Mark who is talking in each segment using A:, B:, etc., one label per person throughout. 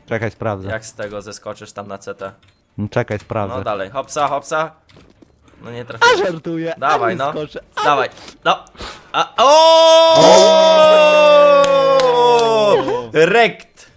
A: Czekaj, sprawdzę.
B: Jak z tego zeskoczysz tam na CT?
A: No, czekaj, sprawdzę.
B: No dalej, hopsa, hopsa. No nie trafiłem.
A: Żartuję.
B: Dawaj,
A: nie
B: no.
A: skoczę.
B: Dawaj. No. O! Rekt.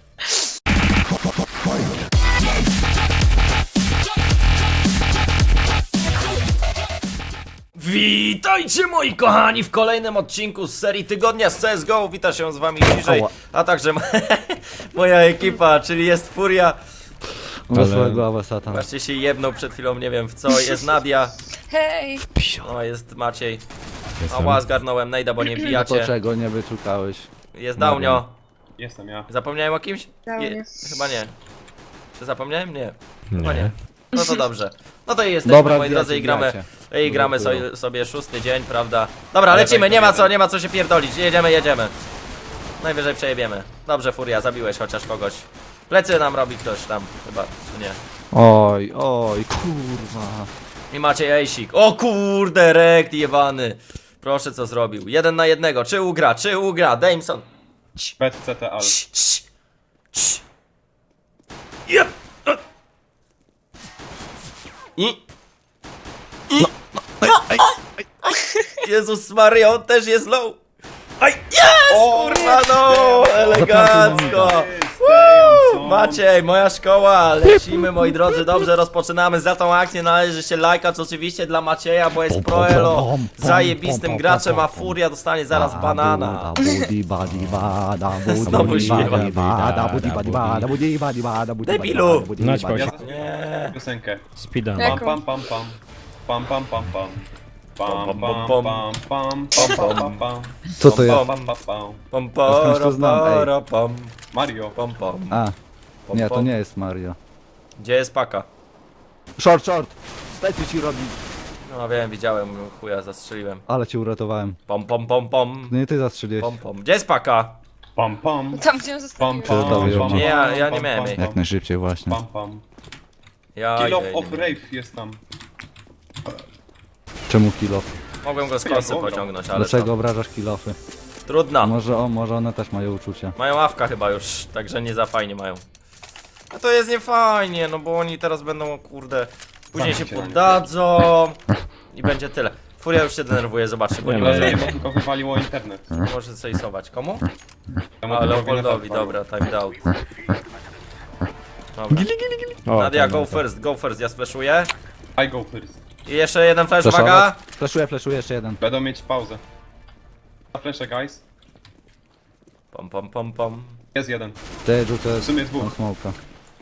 B: Witajcie moi kochani w kolejnym odcinku z serii Tygodnia z CSGO. Wita się z wami bliżej, a także moja ekipa, czyli jest Furia.
A: Wesołego Awesata.
B: Właśnie się jebnął przed chwilą, nie wiem w co, jest Nadia.
C: Hej!
B: No jest Maciej. Ała, zgarnąłem Nejda, bo nie
A: To
B: bijacie.
A: czego nie wyczukałeś?
B: Jest Daunio.
D: Jestem ja.
B: Zapomniałem o kimś?
C: Daunio.
B: Chyba nie. Czy zapomniałem? Nie. Chyba nie. No to dobrze. No to i jesteśmy,
A: Dobra,
B: moi drodzy, i gramy.
A: wbijacie.
B: I gramy sobie szósty dzień, prawda? Dobra, lecimy, nie ma co się pierdolić. Jedziemy. Najwyżej przejebiemy. Dobrze, Furia, zabiłeś chociaż kogoś. Plecy nam robi ktoś tam, chyba, czy nie?
A: Oj, kurwa.
B: I macie ejsik. O kurde, rekt jebany. Proszę, co zrobił. 1 na 1. Czy ugra? Dameson.
D: Bet CT Al.
B: Jep. I. Jezus Maria, on też jest low. Aj, yes! Kurwa, no! Elegancko! Maciej, moja szkoła, lecimy moi drodzy, dobrze rozpoczynamy. Za tą akcję należy się lajkać oczywiście dla Macieja, bo jest proelo zajebistym graczem, a Furia dostanie zaraz banana. Znowu śpiewa. Debilu!
D: Ja
B: Nie.
D: piosenkę.
E: Speeda.
D: Pam pam pam pam. Pam pam pam pam. Pam pam pam pam pam pam pam.
A: Co to jest?
D: Pam pam pam.
B: Pom,
A: skądś to znam, ej.
B: pom,
D: Mario.
B: pom, pom.
A: A,
B: Pom,
A: nie, to
B: pom.
A: nie jest Mario.
B: Gdzie jest paka?
A: Short! Plecy ci robi.
B: No wiem, widziałem, chuja zastrzeliłem.
A: Ale cię uratowałem.
B: Pom, pom, pom, pom.
A: No nie ty zastrzeliłeś.
B: Pom, pom. Gdzie jest paka?
D: Pam pam.
C: Tam gdzie ją
D: Pam
C: zostawiłem.
D: pam.
A: Przegotowił
D: pam,
A: mnie.
D: pam,
B: Ja nie
D: pam,
B: miałem
D: pam,
B: jej.
A: Jak
D: pam,
A: najszybciej właśnie.
D: Pam pam.
B: Ja
D: Kill
B: idę,
D: of
B: idę.
D: Rave jest tam.
A: Czemu kill off?
B: Mogłem go z kosy pociągnąć, ale
A: Dlaczego obrażasz kill offy?
B: co? Trudno.
A: Może one też mają uczucia.
B: Mają awka chyba już, także nie za fajnie mają. No to jest niefajnie, no bo oni teraz będą, kurde, później się
D: Zamknij się,
B: poddadzą i będzie tyle. Furia już się denerwuje, zobaczcie, bo nie
D: Ale
B: może,
D: nie, bo tylko wywaliło internet.
B: nie może sejsować. Komu?
D: Temu
B: A,
D: typowi
B: Leopoldowi,
D: net
B: dobra, timed out. Dobra. Nadia, go first, ja splashuję.
D: I go first.
B: I jeszcze jeden flash, uwaga!
A: Flashuję jeszcze jeden.
D: Będą mieć pauzę. Na flesze, guys.
B: Pom, pom, pom, pom.
D: Jest jeden.
A: Ty rzucę
D: W sumie dwóch.
A: smoka.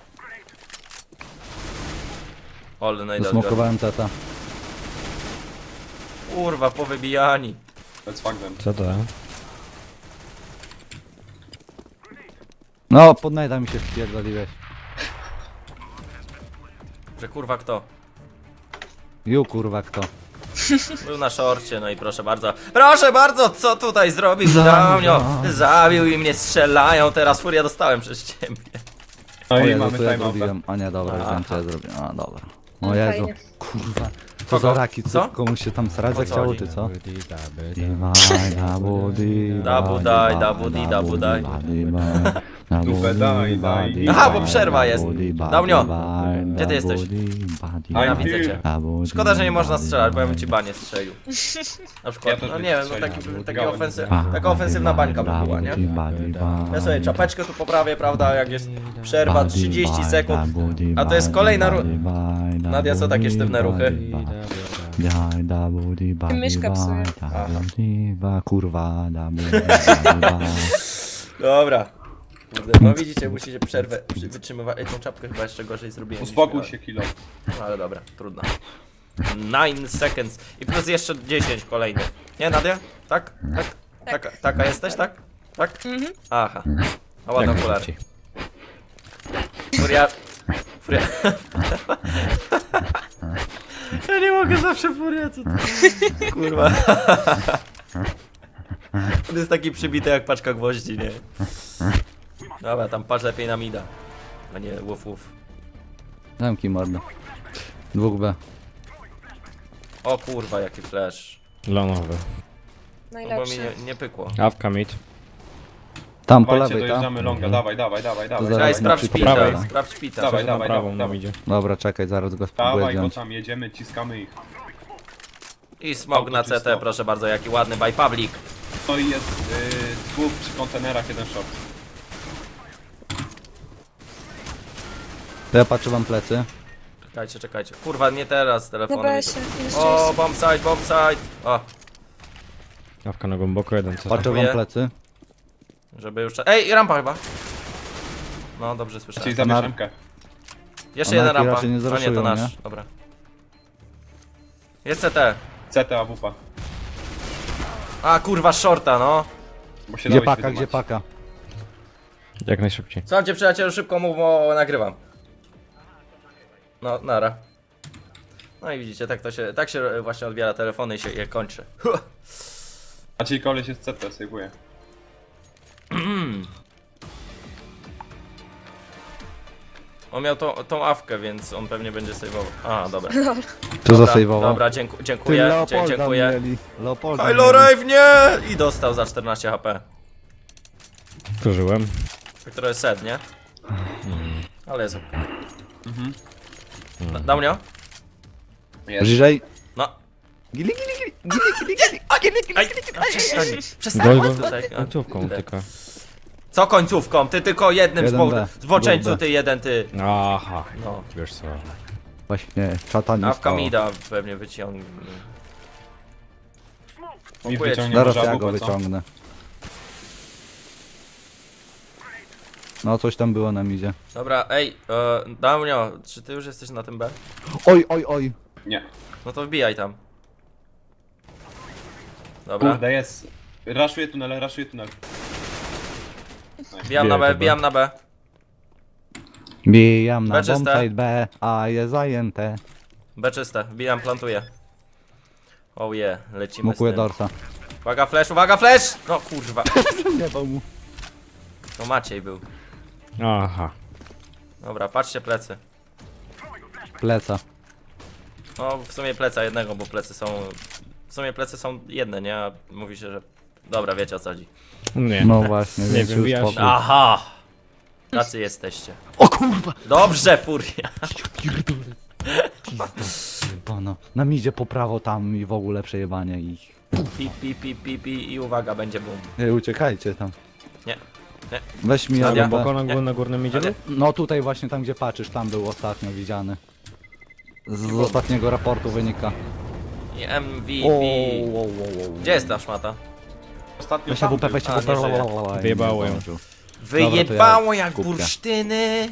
B: Ole, no i
A: Zasmokowałem zeta.
B: Kurwa, powybijani.
D: Let's fuck them.
E: Co to?
A: No, pod najda mi się wpierdoliłeś.
B: Że kurwa kto?
A: Kurwa kto?
B: Był na szorcie, no i proszę bardzo, co tutaj zrobił Daunio? Zabił i mnie strzelają, teraz Furia dostałem przez ciebie.
D: No
A: O
D: i
A: Jezu,
D: mamy
A: co ja
D: timeouta.
A: zrobiłem? A nie, dobra,
B: Aha.
A: wiem co ja zrobiłem. A dobra. O
C: No
A: Jezu,
C: fajnie.
A: kurwa. Co
B: Kogo?
A: za raki,
B: Co?
A: co? Komuś się tam srać
B: O co
A: zachciało,
B: chodzi?
A: czy co?
B: Dabu daj.
D: Dupę daj, daj.
B: Aha, bo przerwa jest. Daunio, gdzie ty jesteś? Ja
D: I'm
B: widzę
D: here.
B: cię. Szkoda, że nie można strzelać, bo ja bym ci banie strzelił. Na przykład,
D: Ja też
B: no
D: bym
B: nie wiem,
D: strzelił,
B: no
D: ale
B: taka ofensywna bańka by była, nie? Ja sobie czapeczkę tu poprawię, prawda, jak jest przerwa 30 sekund, a to jest kolejna Nadia, co takie sztywne ruchy?
C: Myszka psuje.
A: Kurwa,
B: Dobra. Kurde, no widzicie, musicie przerwę wytrzymywać. Ej, tą czapkę chyba jeszcze gorzej zrobiłem. niż
D: Uspokój
B: miałem.
D: się, kilo.
B: No ale dobra, trudno. 9 seconds. I plus jeszcze 10 kolejnych. Nie, Nadia? Tak? Tak? Taka jesteś, tak? Tak? Aha. A ładne okulary. Furia... Ja nie mogę zawsze Furia, co to... Kurwa. On jest taki przybity jak paczka gwoździ, nie? Dobra, tam patrz lepiej na mida. A nie łuf łuf.
A: Zamknij mordę. 2B.
B: O kurwa, jaki flash.
E: Lonowy.
B: No bo mi
C: Najlepszy.
B: nie pykło.
E: Awka mid.
A: Tam po
D: Dawajcie,
A: lewej,
D: dojeżdżamy
A: tam.
D: longa, dawaj.
A: zaraz.
B: Czekaj, sprawdź
A: po
B: pita,
A: prawej.
B: sprawdź pita.
D: Dawaj,
E: Na
D: dawaj,
E: prawą
D: dawaj,
E: nam
D: dawaj.
E: idzie.
A: Dobra, czekaj, zaraz go spróbuję
D: Dawaj, go
A: zdjąć.
D: tam jedziemy, ciskamy ich.
B: I smog na
D: Auto
B: CT,
D: czysto.
B: proszę bardzo, jaki ładny by public.
D: No i jest dwóch przy kontenerach, jeden short.
A: To ja patrzę wam plecy.
B: Czekajcie. Kurwa, nie teraz, telefon.
C: Dobra, się. Jeszcze
B: O,
C: jest.
B: bombsite. O,
E: Dawka na głęboko, jeden co.
A: Patrzę wam
B: Dziękuję.
A: plecy.
B: żeby już... Ej, rampa chyba. No, dobrze słyszałem.
D: Czyli zabierz MK.
B: Jeszcze
A: A
B: jeden
A: najpierw
B: rampa.
A: raczej nie
B: A nie, to
A: zraszują,
B: nasz.
A: nie?
B: Dobra. Jest CT.
D: CT AWP.
B: A, kurwa, shorta, no.
D: Bo się
A: Gdzie
D: dałeś
A: paka, gdzie
D: wyzumać.
A: paka?
E: Jak najszybciej.
B: Słucham cię, przyjacielu, szybko mów, bo nagrywam. No, nara. No i widzicie, tak się właśnie odbiera telefony i się je kończy.
D: A czyli koleś jest CT, sejwuje.
B: On miał tą awkę, więc on pewnie będzie saveował. A, dobra.
A: Tu
B: Dobra,
A: zasejwował.
B: Dobra,
A: Ty
B: dziękuję.
A: Leopolda
B: Dziękuję.
A: mieli. Leopolda
B: Kylo
A: mieli.
B: Rave, nie! I dostał za 14 HP.
E: Zużyłem.
B: Który jest set, nie? Ale jest. Dał mnie?
D: Jest.
A: Bliżej.
B: No.
A: Gili, gili, gili.
B: Przestań
E: Go
B: tutaj.
E: końcówką tylko.
B: Co końcówką? Ty tylko jednym
A: Jeden B.
B: zboczeńcu,
A: Był B.
B: ty jeden ty.
E: Aha.
B: No.
E: Wiesz co.
A: Właśnie, czata nie
B: Awka
A: stało.
B: mida pewnie wyciągnie.
D: Mi
B: Dziękuję ci.
D: wyciągnie
A: Zaraz
D: może
A: ja go
D: AWP, co?
A: wyciągnę. No, coś tam było na midzie.
B: Dobra, ej, Daunio, czy ty już jesteś na tym B?
A: Oj, oj, oj.
D: Nie.
B: No to wbijaj tam. Dobra,
D: Kurde, jest. Raszuje tunel.
B: wbijam na B,
E: Wbijaj
B: wbijam na B.
A: Bijam na
B: B czyste.
A: bombsite B, a jest zajęte.
B: B czyste, wbijam, plantuję. Oh yeah, lecimy
A: Smokuję
B: z tym.
A: dorsa.
B: Uwaga flash! No kurwa,
A: Nie mu.
B: to Maciej był.
E: Aha.
B: Dobra, patrzcie plecy.
A: Pleca.
B: No w sumie pleca jednego, bo plecy są... W sumie plecy są jedne, nie? A mówi się, że... Dobra, wiecie o co chodzi.
E: Nie.
A: No właśnie,
E: Nie
A: więc
E: wiem,
A: już
E: wyjaśnij.
A: spokój.
B: Aha! Tacy jesteście.
A: O kurwa!
B: Dobrze, furia.
A: Bano. Na midzie po prawo tam i w ogóle przejebanie ich.
B: Pi i uwaga, będzie boom.
A: Ej, uciekajcie tam.
B: Nie, nie.
A: Weź mi
B: Na
A: jadę.
E: Głęboko
B: Nie.
E: na górnym idzie?
B: Ale-
A: No tutaj właśnie tam gdzie patrzysz, tam był ostatnio widziany. Z ostatniego raportu wynika.
B: I MVP.
A: O.
B: Gdzie jest ta szmata?
D: Ostatnio
A: Weź
D: tam
A: AWP,
D: był.
A: weź
B: A,
A: AWP.
B: nie żyje.
A: lalalala, i
E: Wyjebało
A: nie
E: ją.
A: zdążył.
B: Wyjebało jak
A: kubkę.
B: bursztyny.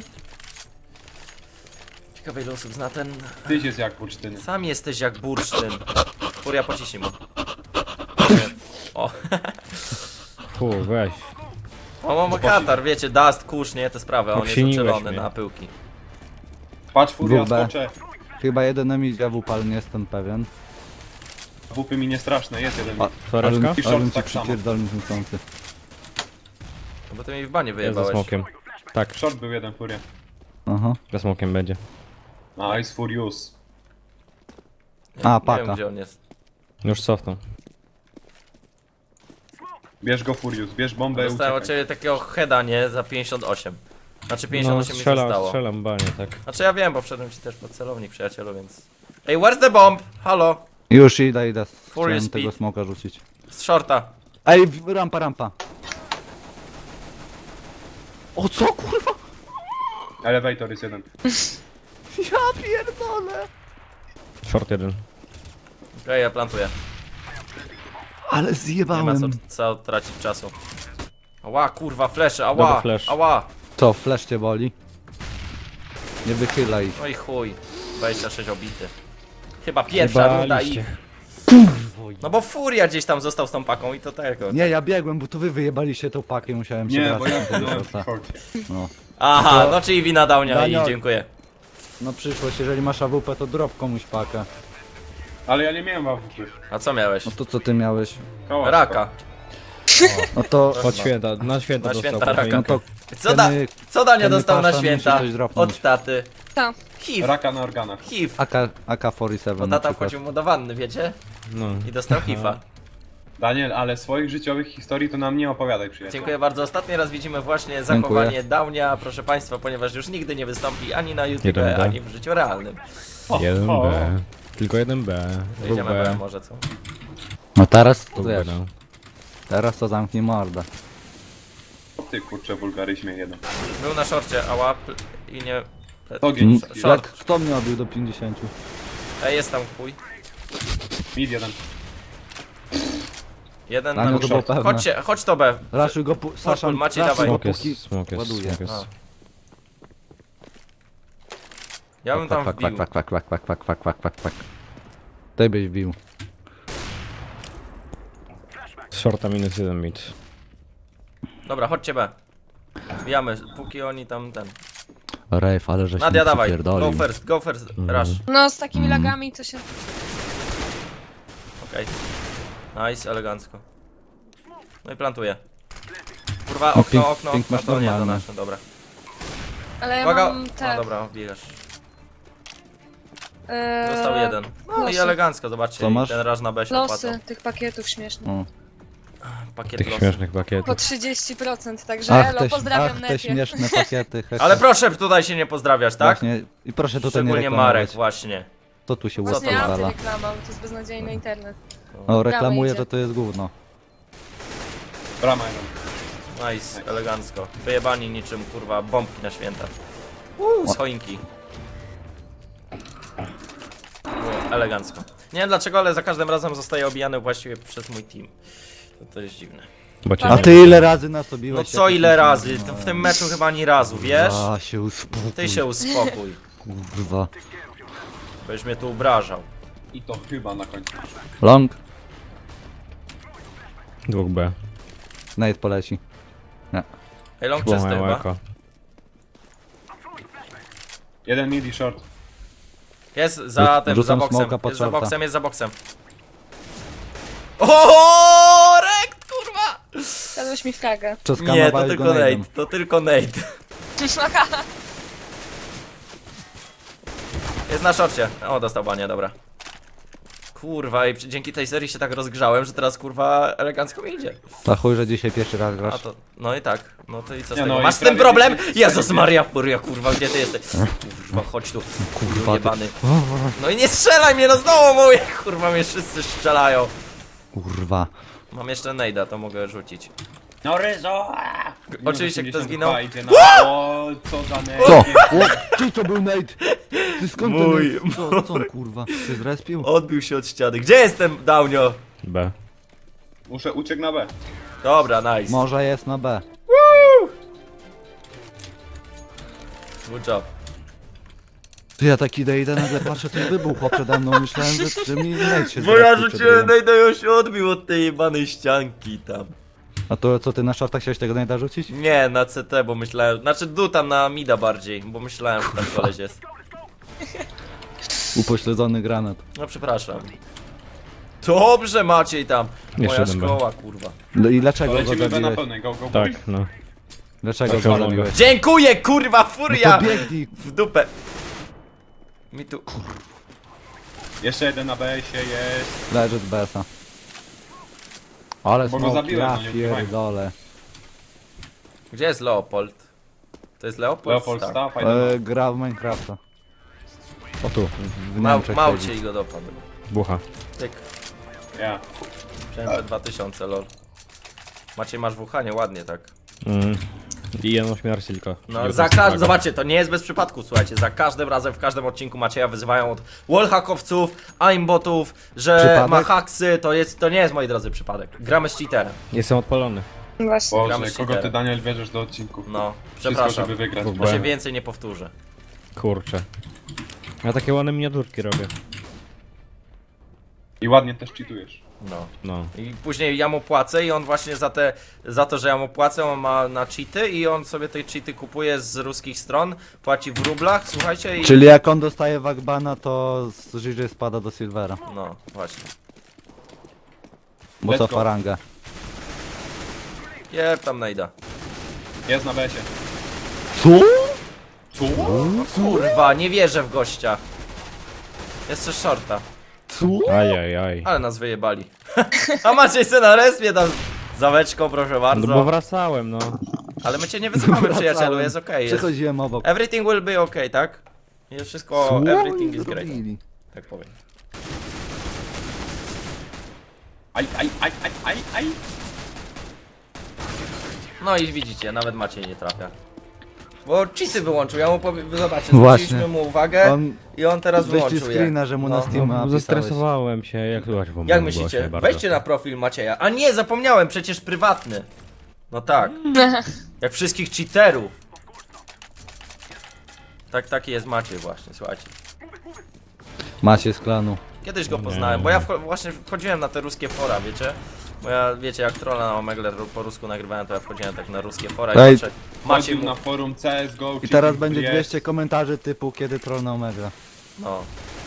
B: Ciekawe ile osób zna ten...
D: Tyś jest jak bursztyny.
B: Sam jesteś jak bursztyn. Furia, pociśnij mu. O,
E: Fu, weź.
B: mam katar, wiecie, dust, kurz, nie, te sprawy, a on jest
E: Obsiniłeś
B: uczulony
E: mnie.
B: na pyłki.
D: Patrz, furia,
A: Dwóch B.
D: skoczę.
A: Chyba jeden na midzie AWP, ale nie jestem pewien.
D: WP mi nie straszne, jest jeden.
E: Twareczka?
D: I short
A: Ale ci
D: tak samo.
A: przypierdolny niechcący.
B: No bo ty mi w banie
E: Jest za
B: wyjebałeś.
E: smokiem. Tak,
D: Short był jeden, furia.
A: Aha.
E: za smokiem będzie.
D: Nice, Furious.
A: A,
B: Nie
A: paka.
B: wiem gdzie on jest.
E: Już cofnął.
D: Bierz go, Furious, bierz bombę i
B: Dostałem od
D: uciekaj.
B: ciebie takiego heada, nie, za 58. Znaczy 58 mi się stało.
E: strzelam banie, tak.
B: Znaczy ja wiem, bo wszedłem ci też pod celownik, przyjacielu, więc... Ej, where's the bomb? Halo?
A: Już idę.
B: Furious
A: Chciałem tego
B: speed.
A: smoka rzucić.
B: Z shorta.
A: Ej, rampa. O co kurwa?
D: Elevator jest jeden.
A: Ja pierdolę.
E: Short jeden.
B: Okej, ja plantuję.
A: Ale
B: Nie ma
A: zjebałem.
B: co tracić czasu. Ała, kurwa, flesze,
E: Dobra,
B: ała,
E: flash.
B: ała.
A: Co, flash cię boli? Nie wychylaj.
B: No i chuj. 26 obity. Chyba pierwsza runda i...
E: Jebaliście.
B: No bo Furia gdzieś tam został z tą paką i to tego.
A: Nie, ja biegłem, bo to wy wyjebaliście tą pakę i musiałem się
D: Nie, bo
A: wracać
D: ja
A: do tego
D: byłem
A: shorta.
D: w shorcie.
A: No.
B: Aha, no czyli wina Daunia i
A: Daniel.
B: dziękuję.
A: No przyszłość, jeżeli masz AWP, to drop komuś pakę.
D: Ale ja nie miałem AWP.
B: A co miałeś?
A: No to co ty miałeś?
D: Koła
B: Raka.
A: No to...
E: Od święta, na święta
B: Na
E: dostał.
B: święta
E: po
B: raka.
A: No to...
B: Co Dania
A: Kenny
B: dostał na
A: Pasha
B: święta
A: musi coś dropnąć.
B: od taty?
C: Ta.
B: HIV.
D: Raka na organach.
B: HIV.
A: AK-47
B: Bo
A: na
B: tata
A: przykład.
B: wchodził mu do wanny, wiecie?
E: No.
B: I dostał HIVa.
D: Daniel, ale swoich życiowych historii to nam nie opowiadaj, przyjaciel.
B: Dziękuję bardzo. Ostatni raz widzimy właśnie zachowanie Downia, proszę państwa, ponieważ już nigdy nie wystąpi ani na YouTube,
E: 1B.
B: ani w życiu realnym.
E: 1B. Tylko 1B.
B: Jedziemy B, może co?
A: No teraz to
E: 2B,
A: wiesz,
E: no.
A: teraz to zamknij mordę.
D: O ty kurczę, wulgaryzmie jeden.
B: Był na szorcie, a łap i nie...
D: Ogień.
B: Short.
A: Kto mnie obił do 50?
B: Ej, jest tam chuj.
D: Mid jeden.
B: Jeden
A: Dla mnie
B: na
A: to było pewne.
B: chodź to B.
A: Raszuj go, Sasza,
B: Maciej,
A: raszuj
B: dawaj.
A: go,
E: Smok
A: póki
E: jest, smok jest,
A: ładuje.
E: smok jest.
B: A. Ja bym tam wbił.
A: Kwak. Ty byś wbił.
E: Shorta -1 mid.
B: Dobra, chodźcie B. Wbijamy, póki oni tam ten...
A: Rejf, ale żeś
B: Nadia,
A: mi
B: dawaj.
A: przypierdolił.
B: Go first, rush.
C: No z takimi lagami to się...
B: Okej. Nice, elegancko. No i plantuję. Kurwa,
A: No,
B: okno,
A: ping-
B: okno,
A: ping
B: okno,
A: masz
B: to nie, to
A: normalny.
B: nasze, dobra.
C: Ale ja
B: Uwaga,
C: mam te...
B: no dobra, wbijasz.
C: e,
B: Został jeden. No i
C: losy.
B: elegancko, zobaczcie,
A: Co masz?
B: ten raż na B się opłacał.
C: Losy tych pakietów śmiesznych.
A: O.
B: Pakiet
E: Tych
B: losy.
E: śmiesznych
C: Po
E: pakietów.
C: 30%, także
A: Ach,
C: elo,
A: te,
C: pozdrawiam
A: te
C: Nefie.
A: śmieszne pakiety. hehe.
B: Ale proszę tutaj się nie pozdrawiać, tak?
A: Właśnie, i proszę tutaj nie
B: Szczególnie
A: reklamować.
B: Marek, właśnie.
A: To tu się
B: Co
C: Właśnie
B: to
A: łatwo
B: ma?
A: zwala.
C: antyreklama, bo to jest beznadziejny internet.
A: No reklamuje,
C: idzie.
A: że to jest gówno.
D: Brama jeden.
B: Nice, elegancko. Wyjebani niczym, kurwa, bombki na święta. Z choinki. Było elegancko. Nie wiem dlaczego, ale za każdym razem zostaje obijany właściwie przez mój team. To jest dziwne.
E: Bo cię
A: A
E: nie
A: ty ile razy nas
B: No
A: obiłeś?
B: co
A: jak
B: ile
A: jesteśmy-
B: razy? W tym meczu chyba ani razu, wiesz?
A: A, się uspokój.
B: Ty się uspokój,
A: Kurwa.
B: będziesz mnie tu obrażał.
D: I to chyba na końcu.
A: Long?
E: 2B.
A: Nate poleci.
B: Ej, long czysty
E: Było
B: chyba.
E: eko.
D: Jeden mid i short.
B: Jest za tym, za
A: Rzucam
B: boksem.
A: smoka pod
B: Jest za
A: shorta.
B: boksem, jest za boksem. O, rekt, kurwa!
C: Dałeś mi fragę.
B: Nie, to
A: Przeskanowałeś
B: tylko
A: go
B: Nate,
A: nade'em.
B: to tylko Nate. Jest na szorcie. O, dostał banie, dobra. Kurwa, i dzięki tej serii się tak rozgrzałem, że teraz kurwa elegancko mi idzie.
A: To chuj, że dzisiaj pierwszy raz
B: A
A: grasz.
B: to, no i tak, no to i co z
D: Nie,
B: tego?
D: no i
B: Masz z tym
D: prawie
B: problem?
D: wiecie,
B: Jezus
D: co
B: Maria, furia, kurwa, gdzie ty jesteś? Kurwa, chodź tu,
A: Kurwa, ty-
B: jebany. No i nie strzelaj mnie, no znowu mówię, kurwa, mnie wszyscy strzelają.
A: Kurwa.
B: Mam jeszcze nejda, to mogę rzucić.
D: No ryzo!
B: Oczywiście, kto zginął?
D: Idzie na... O, co za net.
A: Co? O, ty to był Nate! Ty skąd
B: Mój,
A: ten Nate? Co on kurwa? Ty zrespił?
B: Odbił się od ściany. Gdzie jestem, Daunio?
E: B.
D: Muszę uciec na B.
B: Dobra, nice.
A: Może jest na B.
B: Good job.
A: Ty ja taki idę, nagle patrzę, coś wybuchło przede mną. Myślałem, że mi Nate się
B: Bo ja
A: zrespił przed
B: rzuciłem
A: chwilą.
B: nejda i on się odbił od tej jebanej ścianki tam.
A: A to co, ty na shortach chciałeś tego Nate'a rzucić?
B: Nie, na CT, bo myślałem, znaczy tam na mida bardziej, bo myślałem, że tam koleś jest.
A: Upośledzony granat.
B: No przepraszam. Dobrze Maciej tam.
E: Jeszcze
B: Moja
E: jeden
B: szkoła, kurwa.
A: No i
D: To
A: dlaczego go
D: lecimy B na
A: zabiłeś?
D: pełnej, go, go,
E: Tak,
D: boys.
E: no.
A: Dlaczego
E: Tak,
A: go
E: mogę.
A: zabiłeś?
B: Dziękuję, kurwa,
A: No
B: furia!
A: to biegnij!
B: W dupę. Mi tu...
D: Jeszcze jeden na B się jest.
A: Leży z BS-a. Ale
D: Bo go
A: smoki,
D: zabiłem,
A: ja
D: no nie ukrywajmy.
A: pierdolę.
B: Gdzie jest Leopold? To jest Leopold?
D: Leopold
B: Tak.
D: Staff, fajny.
A: Gra w Minecrafta.
E: O tu.
A: W Niemczech
B: Małcie
A: siedzi.
B: i go dopadł.
E: Bucha.
B: Tyk.
D: Ja.
B: Przejmę 2000, lol. Maciej, masz wuchanie, ładnie tak.
E: I jedną śmierć tylko.
B: No, za każdym, zobaczcie, to nie jest bez przypadku, słuchajcie, za każdym razem, w każdym odcinku Macieja wyzywają od wallhackowców, aimbotów, że
A: Przypadek?
B: ma haksy, to nie jest, moi drodzy, przypadek. Gramy z cheaterem,
E: Jestem odpalony.
C: Właśnie.
B: Gramy
D: Boże,
B: z
D: kogo ty
B: cheaterem.
D: Daniel bierzesz do odcinków?
B: no,
D: Wszystko,
B: przepraszam,
D: żeby wygrać.
E: W
B: to
E: ogóle.
B: się więcej nie powtórzę.
E: Kurczę. Ja takie ładne miniaturki robię.
D: I ładnie też cheatujesz.
B: No.
E: No.
B: I później ja mu płacę i on właśnie za to, że ja mu płacę, on ma na cheaty i on sobie te cheaty kupuje z ruskich stron, płaci w rublach, słuchajcie i...
A: Czyli jak on dostaje Wagbana, to z Żyży spada do Silvera.
B: No, właśnie.
A: Bo
D: Let's
A: cofa
D: go.
A: rangę.
B: Jeb tam najda.
D: Jest na B-sie.
A: Co?
D: Co?
B: No kurwa, nie wierzę w gościa. Jeszcze shorta,
A: Co?
E: Ajajaj.
B: ale nas wyjebali. A Maciej se na respie tam zaweczką, proszę
E: No
B: bardzo.
E: bo wracałem, no.
B: Ale my cię nie wyzywamy, przyjacielu, jest okej. Jest.
A: Przechodziłem obok.
B: Everything will be okay, tak? Jest wszystko,
A: Co
B: everything
A: oni
B: is great.
A: zrobili?
B: Tak powiem.
D: Aj.
B: No i widzicie, nawet Maciej nie trafia. Bo cheaty wyłączył, ja mu powiem, zobaczcie,
A: Właśnie.
B: zwróciliśmy mu uwagę
A: On
B: i on teraz
A: wyślij
B: wyłączył je.
A: screena, że mu na
B: No.
A: Steam
E: No, zestresowałem się, jak słychać po moim
B: Jak
E: głosie
B: myślicie?
E: bardzo.
B: Wejdźcie na profil Macieja. A nie, zapomniałem, przecież prywatny. No tak. Jak wszystkich cheaterów. Taki jest Maciej właśnie, słuchajcie.
A: Macie z klanu.
B: Kiedyś go poznałem, bo ja właśnie wchodziłem na te ruskie fora, wiecie? Bo ja, wiecie, jak trolla na Omegle po rusku nagrywałem, to ja wchodziłem tak na ruskie fora
A: Ej.
B: i patrzę, Maciej
D: Chodził
B: mu...
D: na forum CSGO.
A: I teraz będzie 200 komentarzy typu kiedy troll na Omega.
B: No.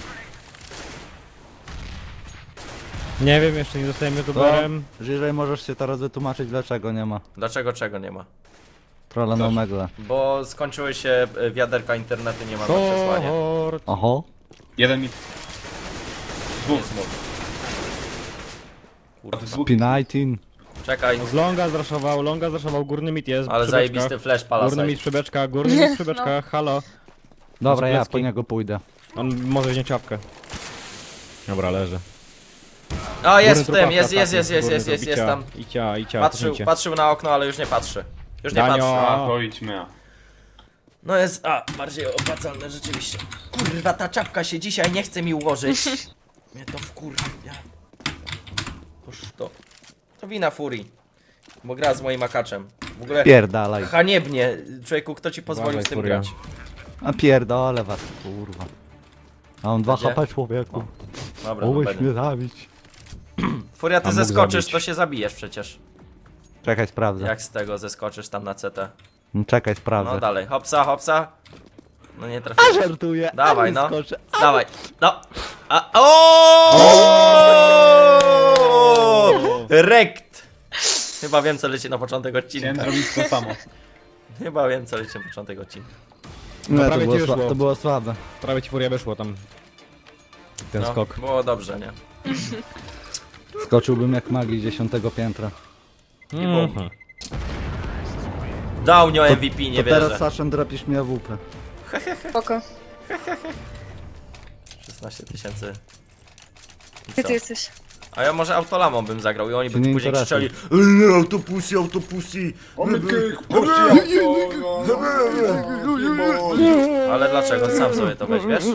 E: Nie wiem, jeszcze nie zostałem youtuberem.
A: Jeżeli możesz się teraz wytłumaczyć dlaczego nie ma
B: Dlaczego czego nie ma?
A: trolla na Omega.
B: Bo skończyły się wiaderka internetu, nie ma na przesłanie.
E: Short.
A: Oho.
D: Jeden mi... Dwóch. Dwóch.
A: P19.
B: Czekaj,
E: Z longa zraszował, górny mit jest.
B: ale
E: przy
B: zajebisty
E: beczkach.
B: flash
E: Górny
B: palasaj.
E: mit przy beczkach, górny mit przy beczkach, halo.
A: Dobra, ja
E: Zblecki.
A: po niego pójdę.
E: On może wziąć łapkę. Dobra, leży.
B: A jest w
E: Górny
B: tym,
E: trupawka,
B: jest tam.
E: Icia,
B: Patrzył na okno, ale już nie patrzy. Już nie
E: Danio.
B: patrzy.
D: A, to idźmy.
B: No jest, bardziej opłacalne rzeczywiście. Kurwa, ta czapka się dzisiaj nie chce mi ułożyć. Mnie to wkurwia. Toż to. To wina Furii. Bo gra z moim akaczem. W ogóle
A: Pierdalaj.
B: haniebnie. Człowieku, kto ci pozwolił
E: Dawaj,
B: z tym
E: Furia.
B: grać?
A: A pierdolę was, kurwa. A on 2
B: Gdzie?
A: HP człowieku.
B: Dobra, no
A: Mogłeś
B: będę.
A: mnie zabić.
B: Furia, ty
E: A mógł
B: zeskoczysz,
E: zabić.
B: to się zabijesz przecież.
A: Czekaj, sprawdzę.
B: Jak z tego zeskoczysz tam na CT.
A: No, czekaj, sprawdzę.
B: No dalej, hopsa, hopsa. No nie trafiłeś.
A: Żartuję.
B: Dawaj,
A: ale
B: no.
A: skoczę.
B: Dawaj, no. O! Rekt! Chyba wiem, co leci na początek
D: Chciałem
B: odcinka.
D: zrobić to samo.
B: Chyba wiem, co leci na początek odcinka.
A: Nie, to
E: prawie
A: było,
E: ci wyszło.
A: to było słabe.
E: Prawie ci furia wyszło tam. Ten
B: No,
E: skok.
B: było dobrze, nie?
A: Skoczyłbym jak magii 10 piętra.
E: Mhm.
B: Downio MVP, nie
A: To teraz
B: wierzę.
A: Saszem drapisz mi AWP.
C: Spoko.
B: 16 tysięcy. I
C: Gdzie
B: co?
C: ty jesteś?
B: A ja może autolamą bym zagrał i oni
A: Się
B: by
A: nie
B: później
A: interesuj.
B: krzyczeli autopusy, autopusy. Ale dlaczego? Sam sobie to weź, wiesz?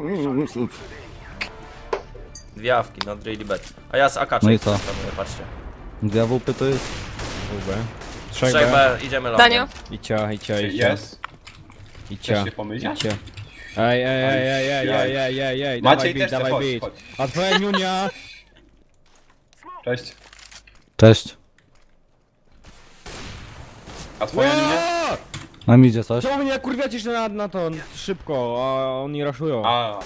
B: Dwie awki, not really bad. A ja z AK
A: No i co?
B: patrzcie.
A: 2 AWP to jest...
E: UB. 3B.
B: 3B, idziemy
C: Danio?
B: longiem.
E: Icia.
D: Jest.
E: Icia.
D: Chcesz się pomyśleć?
E: Icia. Ej.
D: Maciej
E: Dawaj
D: też chce,
E: dawaj
D: chodź,
E: beat.
D: chodź.
E: A twoja niunia?
D: Cześć.
A: Cześć.
D: A twoja nie?
A: Nam idzie coś?
E: Czemu mnie kurwiacie się na to szybko, a oni raszują?
D: A,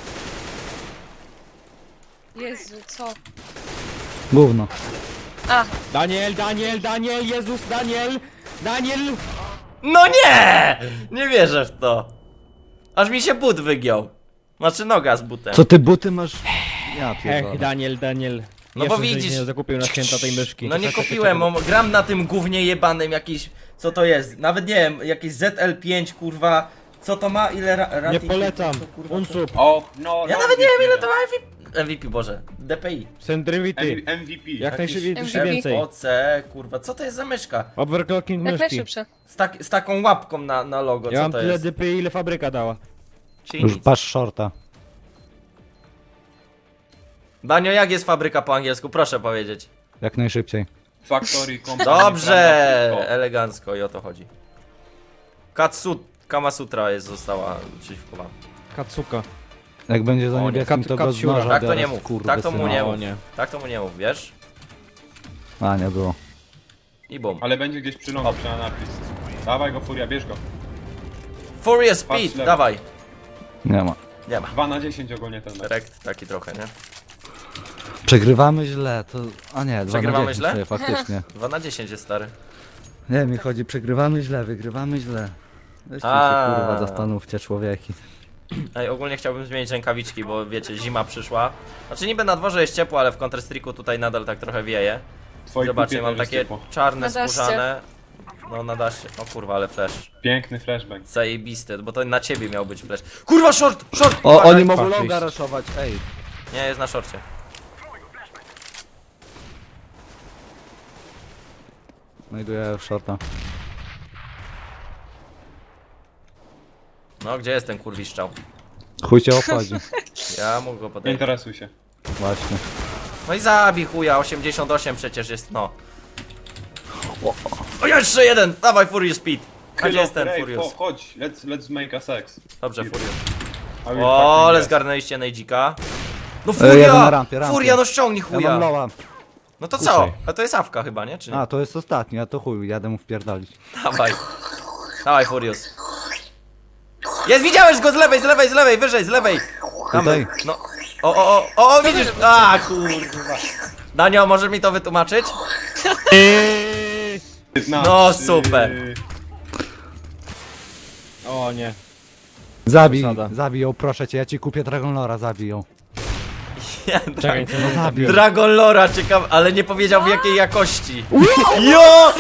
C: Jezu, co?
A: Gówno.
C: A,
E: Daniel, Jezus, Daniel!
B: No nie! Nie wierzę w to. Aż mi się but wygiął. Znaczy noga z butem.
A: Co ty buty masz? Ja pierdolę.
E: Daniel.
B: No
E: Jeszcze
B: bo
E: żeś
B: widzisz.
E: nie zakupił na święta tej myszki.
B: No nie kupiłem, gram na tym gównie jebanym jakiś... Co to jest? Nawet nie wiem, jakieś ZL5 kurwa. Co to ma? Ile
E: Nie
B: rating?
E: polecam.
B: Co, kurwa,
E: Unsub,
D: o, no.
B: Ja
D: no,
B: nawet nie wiem ile
D: MVP.
B: to ma MVP, Boże. DPI.
E: Sendrivity.
D: MVP.
E: Jak najszybciej
C: MVP.
E: więcej.
B: OC, kurwa, co to jest za myszka?
E: Overclocking
C: jak
E: myszki.
C: najszybsze.
B: Z taką łapką na logo,
E: Ja
B: co
E: mam
B: to
E: tyle
B: jest?
E: DPI, ile fabryka dała.
B: Czyli
A: Już
B: nic.
A: patrz shorta.
B: Banio, jak jest fabryka po angielsku? Proszę powiedzieć.
A: Jak najszybciej.
D: Factory Company.
B: Dobrze!
D: prawda,
B: Elegancko i o to chodzi. Kamasutra została szyfrowana.
E: Katsuka.
A: Jak będzie za
B: O nie.
A: niebieskim, to go z
E: Kapciura.
A: noża
B: Tak to
A: biorę,
B: nie mów,
A: skurwysyna.
B: tak to mu nie
E: O
B: mów.
E: nie.
B: Tak to mu nie mów, wiesz?
A: A, nie było.
B: I bum.
D: Ale będzie gdzieś przy lądu, na napis. Dawaj go, Furia, bierz go.
B: Furious
D: Patrz
B: Speed,
D: lewo.
B: dawaj.
A: Nie ma.
B: Nie ma.
D: 2 na 10 ogólnie ten mecz.
B: Rekt taki trochę, nie?
A: Przegrywamy źle, to... A nie, 2
B: Przegrywamy
A: na 10
B: źle?
A: sobie, faktycznie.
B: 2 na 10 jest stary.
A: Nie, mi chodzi, przegrywamy źle, wygrywamy źle. Weźcie się
B: A.
A: kurwa, zastanówcie człowieki.
B: Ej, ogólnie chciałbym zmienić rękawiczki, bo wiecie, zima przyszła. Znaczy niby na dworze jest ciepło, ale w Counter-Strike'u tutaj nadal tak trochę wieje.
D: Twoi
B: Zobaczcie,
D: kupie
B: mam
D: też jest
B: takie
D: ciepło.
B: czarne,
C: Na daszcie.
B: skórzane. No na dasie. O kurwa, ale flash.
D: Piękny flashbang.
B: Zajebisty, bo to na ciebie miał być flash. Kurwa, short! Short!
A: O,
B: Uważaj.
A: oni mogą
E: Fuck,
A: longa
E: jest.
A: raszować, ej.
B: Nie, jest na szorcie.
A: Znajduję shorta.
B: No, gdzie jest ten kurwiszczał?
A: Chuj cię obchodzi.
B: Ja mógł go
D: Nie
B: podejść.
D: interesuj się.
A: Właśnie.
B: No i zabij chuja, 88 przecież jest, no. O, jeszcze jeden! Dawaj Furious Speed! A gdzie jest ten
D: Ray,
B: Furious?
D: chodź, let's make a sex.
B: Dobrze, Furious.
D: I will
B: O,
D: fucking
B: ale
D: yes.
B: zgarnęliście Nejdzika. No
A: jeden
B: Furia!
A: na rampie.
B: Furia, no ściągnij
A: Ja mam
B: chuja!
A: loła.
B: No to co? A to jest awka chyba, nie? Czy nie?
A: A, to jest ostatni, a to chuj, jadę mu wpierdolić.
B: Dawaj. Dawaj Furious. Jest, widziałeś go z lewej, z lewej, z lewej, wyżej, z lewej! Tam,
A: Tutaj.
B: no. O, widzisz! A, kurwa. Danio, możesz mi to wytłumaczyć? No, super.
E: O nie.
A: Zabij,
E: Przesada.
A: zabij ją, proszę cię, ja ci kupię Dragon Lora, zabij ją.
E: Czekaj, co
A: No zabij.
B: Dragon Lora, ciekaw, ale nie powiedział w jakiej jakości. Jo!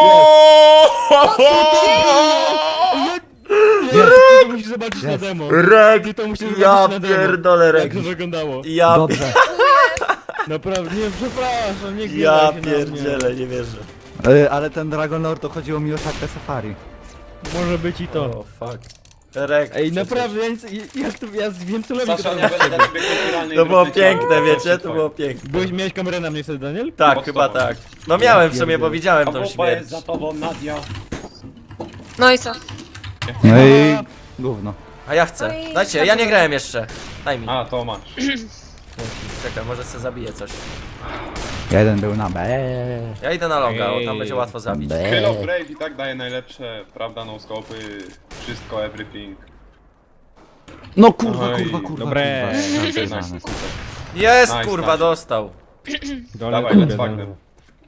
E: Ty to musisz zobaczyć na
A: Jest.
E: demo.
B: Rek!
E: Ty to musisz
B: Ja
E: zobaczyć na demo.
B: pierdolę, Rek.
E: Jak to wyglądało.
B: Ja,
A: Dobrze.
E: Naprawdę, nie, przepraszam, nie
B: ja
E: gniewaj się na
B: pierdzielę, nie wierzę.
A: Ale ten Dragon Lord to chodziło mi o Shakę Safari.
E: mnie. Może być i to.
B: O, fuck. Rek.
E: Ej, naprawdę, ja, nic, jak to, ja wiem co robię.
D: Sasza, nie będę dla ciebie kulturalnej
B: To było
D: gry
B: piękne,
D: chciał.
B: wiecie?
D: Proszę
B: To
D: twoje.
B: było piękne.
E: Miałeś kamerę na mnie wtedy, Daniel?
B: Tak,
D: Pod
B: chyba
D: tobą.
B: tak. No miałem w sumie,
A: pierdolę.
B: bo widziałem
D: A
B: tą
D: wupa
B: śmierć.
D: jest za tobą, Nadia.
C: No i co?
A: No i... Gówno.
B: A ja chcę.
C: No i
B: Dajcie,
C: tak
B: ja nie
C: było.
B: grałem jeszcze. Daj mi.
D: A, to masz.
B: Czekaj, może se zabiję coś.
A: Jeden był na B.
B: Ja idę na longa, bo tam będzie łatwo zabić.
D: Kill of Brave i tak daje najlepsze, prawda, no scopy, wszystko, everything.
A: No kurwa,
D: Oj,
A: kurwa, kurwa.
E: dobre.
A: kurwa.
D: Nice, super.
B: Jest,
D: Nice,
B: kurwa,
D: nice.
B: dostał.
D: Dawaj, let's fuck them.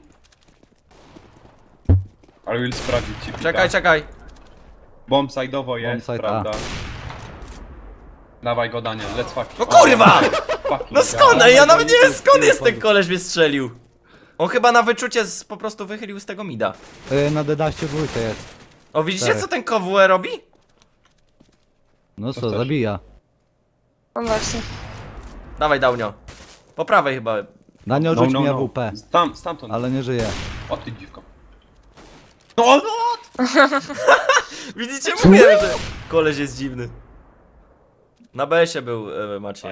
D: I will sprawdzić ci pika.
B: Czekaj, czekaj.
D: Bomb side'owo jest,
A: side,
D: prawda? Dawaj go, Daniel, let's fuck.
B: No kurwa!
D: Fucking
B: No skąd?
D: God.
B: Ja nawet nie wiem skąd jest ten koleś mnie strzelił. On chyba na wyczucie po prostu wychylił z tego mida.
A: Na dedaście dwójce jest.
B: O, widzicie
A: Tak.
B: co ten KWE robi?
A: No co,
D: chcesz?
A: zabija.
C: No właśnie.
B: Dawaj, Daunio. Po prawej chyba.
A: Daniel
D: No,
A: rzuć
D: no,
A: mi
D: no.
A: AWP,
D: Stamtąd.
A: ale nie żyje.
D: O ty dziwko. No, no!
B: Widzicie? Mówię, że koleś jest dziwny. Na BS-ie był Maciej.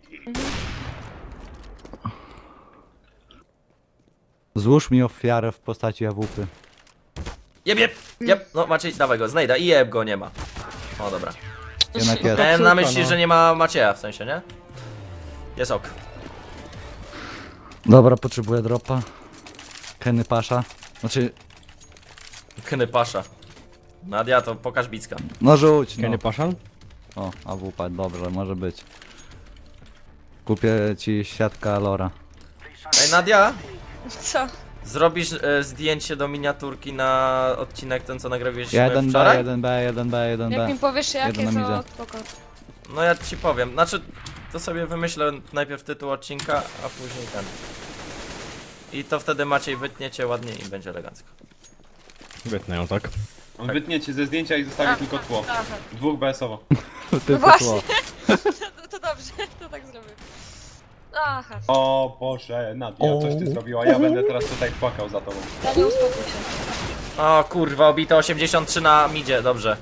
A: Złóż mi ofiarę w postaci AWP.
B: Jeb. No Maciej, dawaj go, znajdę i jeb go nie ma. O, dobra.
A: Jednak jest.
B: Miałem na
E: Super,
B: myśli,
E: no.
B: że nie ma Macieja, w sensie, nie? Jest ok.
A: Dobra, potrzebuję dropa. Kenny Pasza. Znaczy,
B: Knypasza. Nadia, to pokaż bicka.
A: no rzuć, no.
E: Kenny Paszan?
A: O, AWP, dobrze, może być. Kupię ci siatka Lora.
B: Ej, Nadia,
C: Co?
B: zrobisz zdjęcie do miniaturki na odcinek ten, co nagrywaliśmy
A: 1B,
B: wczoraj?
A: 1B, 1B,
C: Jak mi
A: 1B.
C: powiesz jakie,
A: Jeden na
C: to
A: midzie.
C: spoko.
B: No ja ci powiem, znaczy, to sobie wymyślę najpierw tytuł odcinka, a później ten. I to wtedy Maciej wytniecie ładnie i będzie elegancko.
E: Wytnę ją, tak.
D: On wytnie cię ze zdjęcia i zostawi tylko tło.
C: Aha.
D: Dwóch BS-owo.
A: Tylko
C: właśnie.
A: tło.
C: To dobrze, to tak zrobię. Aha.
D: O Boże, Nadia, coś ty zrobiła. Ja będę teraz tutaj płakał za tobą.
C: Daniel, uspokój się.
B: O kurwa, obito 83 na midzie, dobrze.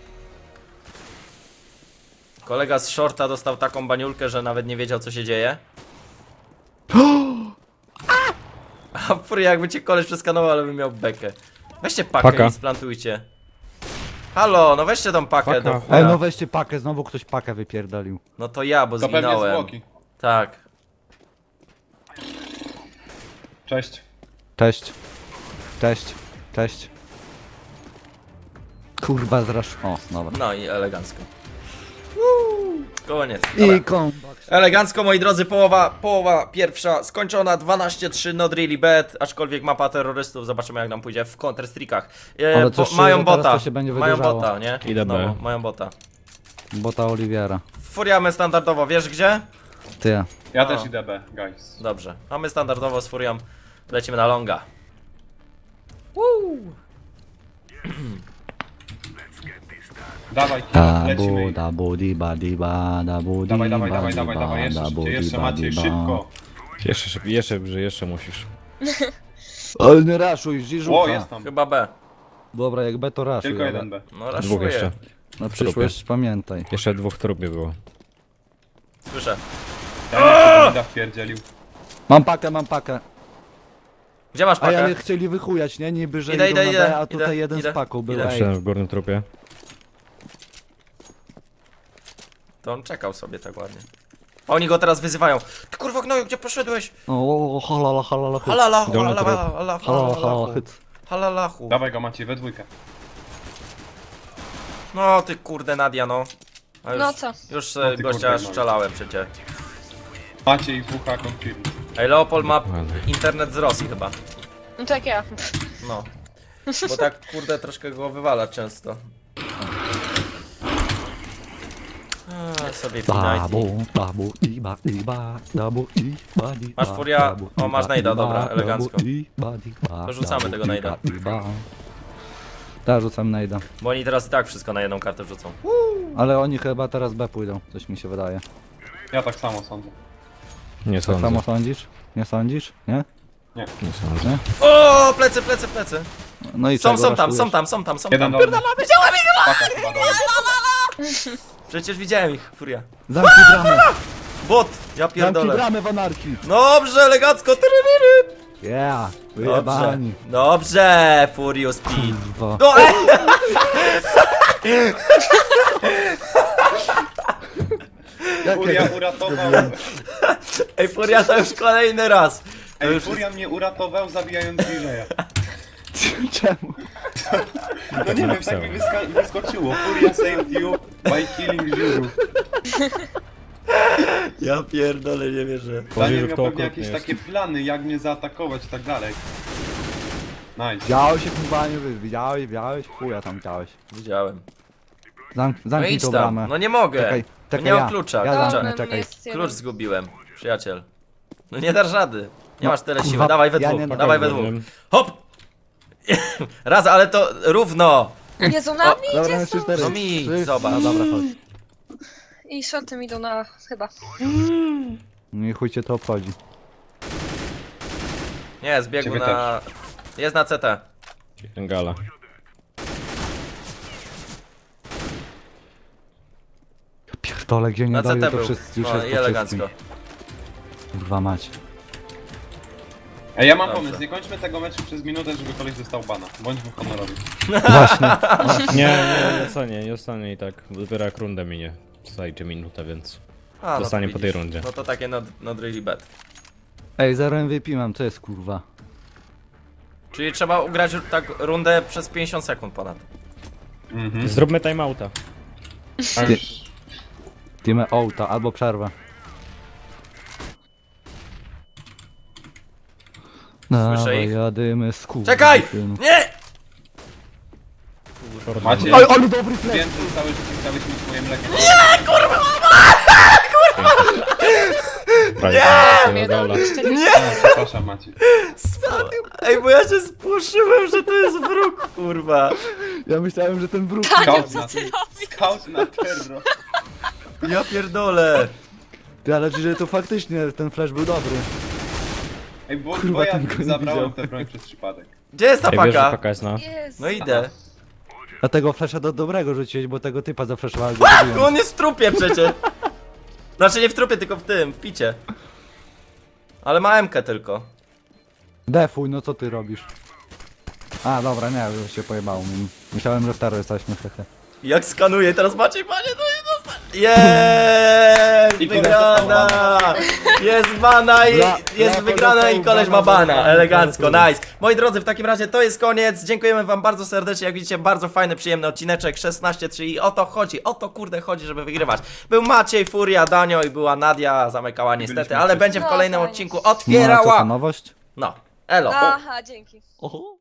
B: Kolega z shorta dostał taką baniulkę, że nawet nie wiedział co się dzieje. A furia, jakby cię koleś przeskanował, ale bym miał bekę. Weźcie pakę
E: Paka.
B: i splantujcie. Halo, no weźcie tą pakę
E: Paka.
B: do
A: Ej,
B: chuja.
A: no weźcie pakę, znowu ktoś pakę wypierdolił.
B: No to ja, bo
D: To pewnie
B: zwinąłem.
D: zwłoki.
B: Tak.
D: Cześć.
A: Cześć. Cześć. Cześć. Kurwa, zrasz. O, dobra.
B: No i elegancko. Koniec. Dobra.
A: I kombat.
B: Elegancko, moi drodzy, połowa pierwsza skończona, 12-3, not really bad, aczkolwiek mapa terrorystów, zobaczymy jak nam pójdzie w Counter-Strike'ach.
A: Ale co szczerze,
B: Mają
A: teraz
B: bota,
A: to się będzie
B: mają
A: wydłużało.
B: bota, nie?
E: Idę B.
B: No, mają bota.
A: Bota Oliwiera.
B: Furiamy standardowo, wiesz gdzie?
A: Ty.
D: Ja też idę B, guys.
B: Dobrze, a my standardowo z Furią lecimy na longa.
D: Dawaj, kilo, lecimy.
A: Dabu, diba, diba, dabu,
D: Dawaj,
A: diba,
D: dawaj, dawaj,
A: diba,
D: dawaj, jeszcze
A: dabu,
D: szybciej, jeszcze
A: diba,
D: Maciej,
A: diba.
D: szybko.
E: Jeszcze musisz.
A: Ale nie raszuj,
D: O,
A: Żiżucha.
D: jest tam.
B: Chyba B.
A: Dobra, jak B to raszuj.
D: Tylko
A: ale
D: jeden B.
B: No
E: Dwóch jeszcze.
B: raszuję.
A: Na przyszłość pamiętaj.
E: Jeszcze 2 w trupie było.
B: Słyszę.
D: Ja nie chcę Linda wpierdzielił.
A: Mam pakę.
B: Gdzie masz
A: A ja
B: pakę?
A: chcieli wychujać, nie? Niby, że
B: Idę,
A: idą
B: idę,
A: na
B: idę,
A: B, a tutaj
B: idę,
A: jeden
B: idę,
A: z paką był.
B: idę.
A: Ej,
E: Jeszcze w górnym trupie.
B: To on czekał sobie tak ładnie. A oni go teraz wyzywają. Ty kurwa gnoju, gdzie poszedłeś?
A: o, halala, halala, hyc.
B: Halalahu,
E: Dolny trop.
A: Halala, halala,
B: halalahu.
A: hyc.
B: Halalahu.
D: Dawaj go Maciej, we dwójkę.
B: No ty kurde Nadia no. A już,
C: No co?
B: Już
D: No ty
B: gościa
D: kurde, no.
B: strzelałem przecież.
D: Maciej WH confirm.
B: Ej, Leopold ma
E: Dokładnie.
B: internet z Rosji chyba.
C: No tak ja.
B: No. Bo tak kurde troszkę go wywala często. A, sobie pinajty.
A: Dabu, diba, diba, dabu, diba, diba,
B: Masz Furia?
A: dabu,
B: O, masz
A: diba,
B: najda,
A: diba,
B: dobra,
A: dabu,
B: elegancko.
A: diba, diba,
B: To rzucamy
A: dabu,
B: tego
A: diba,
B: najda.
A: diba. Tak, rzucam najda.
B: Bo oni teraz i tak wszystko na jedną kartę wrzucą.
A: Ale oni chyba teraz B pójdą, coś mi się wydaje.
D: Ja tak samo sądzę.
E: Nie
A: Tak
E: sądzę.
A: samo sądzisz? Nie sądzisz? Nie?
E: Nie sądzę.
B: O, plecy, plecy, plecy.
A: No i
B: Są,
A: czego
B: są tam,
A: raszujesz?
B: są tam.
D: Jeden dolny. Paka chyba dolny.
B: Przecież widziałem ich, Furia.
A: Zamknij bramę!
B: Bot, ja
A: Zamknij
B: pierdolę.
A: bramę w anarchii!
B: Dobrze, elegancko. Tyryryry.
A: Yeah!
B: Dobrze,
A: Wyjebani!
B: dobrze, Furious Speed.
A: Kurwa.
B: No,
D: Furia uratował.
B: Ej, Furia to już kolejny raz. To
D: Ej,
B: już
D: Furia mnie uratował zabijając Bliżeja.
A: Czemu?
D: No nie wiem, tak mi wyskoczyło. Furia saved you by killing Żuru.
B: Ja pierdolę, nie wierzę.
D: Daniel
E: że
D: miał
E: to
D: pewnie
E: okrutny
D: jakieś
E: jest.
D: takie plany, jak mnie zaatakować i tak dalej. Nice.
A: Widziałeś jak chyba nie widziałeś? Chuja tam widziałeś.
B: Widziałem.
A: Zamknij
B: No idź
A: tą
B: tam.
A: bramę.
B: No nie mogę.
A: Czekaj, czekaj,
B: nie mam
A: ja.
B: klucza.
A: Ja
B: Klucza.
A: zamknę, czekaj.
C: Jest jeden.
B: Klucz zgubiłem, przyjaciel. No nie dasz rady. Nie
A: No,
B: masz tyle siły.
A: kurwa,
B: Dawaj we
A: ja
B: dwóch.
A: nie dam
B: Dawaj we
A: rady.
B: dwóch. Hop! Raz, ale to równo.
C: Jezu, na mnie
A: Dobra,
C: idzie
A: jeszcze
C: są.
A: 4.
B: No mi, zobacz.
A: No dobra, chodź.
C: I shortem idą na chyba.
A: No i chuj cię to obchodzi.
B: Nie, zbiegł
D: Ciebie
B: na... Jest na CT.
E: Ten gala.
A: Pierdolę, gdzie nie
B: Na
A: daje
B: CT
A: to
B: był.
A: wszyscy już
B: No
A: jest
B: i
A: po
B: elegancko.
A: wszystkim. Kurwa mać.
D: Ej, ja mam
B: Dobrze.
D: pomysł, nie kończmy tego meczu przez minutę, żeby koleś dostał bana. Bądźmy honorowi.
E: Nie ostanie i tak. Dopiero jak rundę minie. Zajdzie minutę, więc
B: A, no to
E: dostanie po tej
B: widzisz.
E: rundzie.
B: No to takie not really bad.
A: Ej, 0 MVP mam, co jest kurwa?
B: Czyli trzeba ugrać tak rundę przez 50 sekund ponad.
D: Mhm.
E: Zróbmy timeouta.
D: A już...
A: Team Outa albo przerwę.
B: Słyszę ich.
A: Jadymy z kurwa.
B: Czekaj! Nie!
D: Macie
A: Oj, ale dobry flex!
D: więcej całe życie chciałeś mieć moje mleko.
E: Nie! Gala.
D: Przepraszam Maciej.
B: Ej, bo ja się spłoszyłem, że to jest wróg, kurwa.
A: Ja myślałem, że ten wróg...
D: Scout na, scout na terror.
B: Ja pierdolę.
A: Ty, ale że to faktycznie ten flash był dobry.
D: Ej, bo
A: Kurwa,
D: ja
A: ten go nie
D: zabrałem
A: widział.
D: tę broń przez przypadek.
B: Gdzie jest ta
E: Ej, wiesz, że
B: paka?
E: paka jest na...
C: Jezu.
B: No idę.
A: A tego flasha do dobrego rzuciłeś, bo tego typa zaflaszowałem.
B: No on jest w trupie przecież. Znaczy nie w trupie, tylko w tym, w picie. Ale ma MK tylko.
A: Defuj, no co ty robisz? A, dobra, nie, już się pojebało mi. Myślałem, że w taro jesteśmy, hehe.
B: Jak skanuje, teraz Maciej, panie, to jest dostanie. Jest!
D: I koleś
B: Wygrana! Jest bana i
A: Bra-
B: jest
A: brawo,
B: wygrana i
A: dostał
B: koleś ma
A: bana,
B: bana.
A: dostał
B: Elegancko,
A: bana.
B: nice. Moi drodzy, w takim razie to jest koniec. Dziękujemy wam bardzo serdecznie. Jak widzicie, bardzo fajny, przyjemny odcineczek. 16-3 i o to chodzi. O to kurde chodzi, żeby wygrywać. Był Maciej, Furia, Danio i była Nadia. Zamykała niestety,
D: Byliśmy
B: ale
D: wszyscy.
B: będzie w
C: No,
B: kolejnym
C: fajnie.
B: odcinku
A: No, a co to
B: otwierała.
A: nowość?
B: No, elo.
C: Aha, dzięki.
A: Oho.